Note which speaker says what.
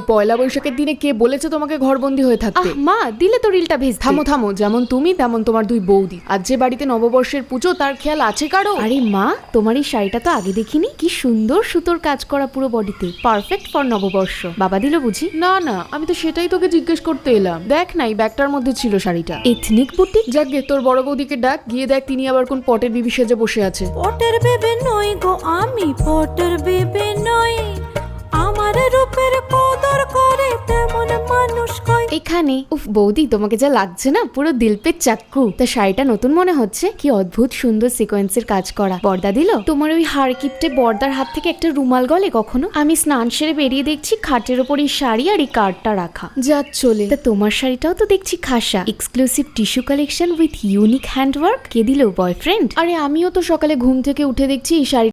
Speaker 1: পয়লা বৈশাখের দিনে কে বলেছে তোমাকে ঘরবন্দি হয়ে থাকতে?
Speaker 2: মা দিলে তো রিলটা ভেজ।
Speaker 1: থামো থামো, যেমন তুমি তেমন তোমার দুই বৌদি। আজ যে বাড়িতে নববর্ষের পুজো তার খেয়াল আছে কারো?
Speaker 2: আরে মা, তোমার এই শাড়িটা তো আগে দেখিনি। কি সুন্দর সুতোর কাজ করা পুরো বডিতে, পারফেক্ট ফর নববর্ষ। বাবা দিল বুঝি?
Speaker 1: না না, আমি তো সেটাই তোকে জিজ্ঞেস করতে এলাম। দেখ না, এই ব্যাগটার মধ্যে ছিল শাড়িটা।
Speaker 2: Ethnic boutique.
Speaker 1: যাকগে, তোর বড় বৌদিকে ডাক, গিয়ে দেখ তিনি আবার কোন পটের বিবি সেজে বসে আছে।
Speaker 3: পটের বেবে নই গো, আমি পটের বেবে নই। আমার রূপের কদর করে তেমন মানুষ কই।
Speaker 2: এখানে উফ বৌদি, তোমাকে যা লাগছে না, পুরো দিল পে চাক্কু। তা শাড়িটা নতুন মনে হচ্ছে। কি অদ্ভুত সুন্দর সিকোয়েন্সের কাজ করা। বর্দা দিল? তোমার ওই হাড় কিপটে বর্দার হাত থেকে একটা রুমাল গলে কখনো? আমি স্নান সেরে বেরিয়ে দেখছি খাটের ওপর এই শাড়ি আর এই কার্ডটা রাখা।
Speaker 1: যা চলে।
Speaker 2: তা তোমার শাড়িটাও তো দেখছি খাসা, exclusive tissue collection with unique handwork. কে দিল? বয়ফ্রেন্ড?
Speaker 1: আরে আমিও তো সকালে ঘুম থেকে উঠে দেখছি এই শাড়ি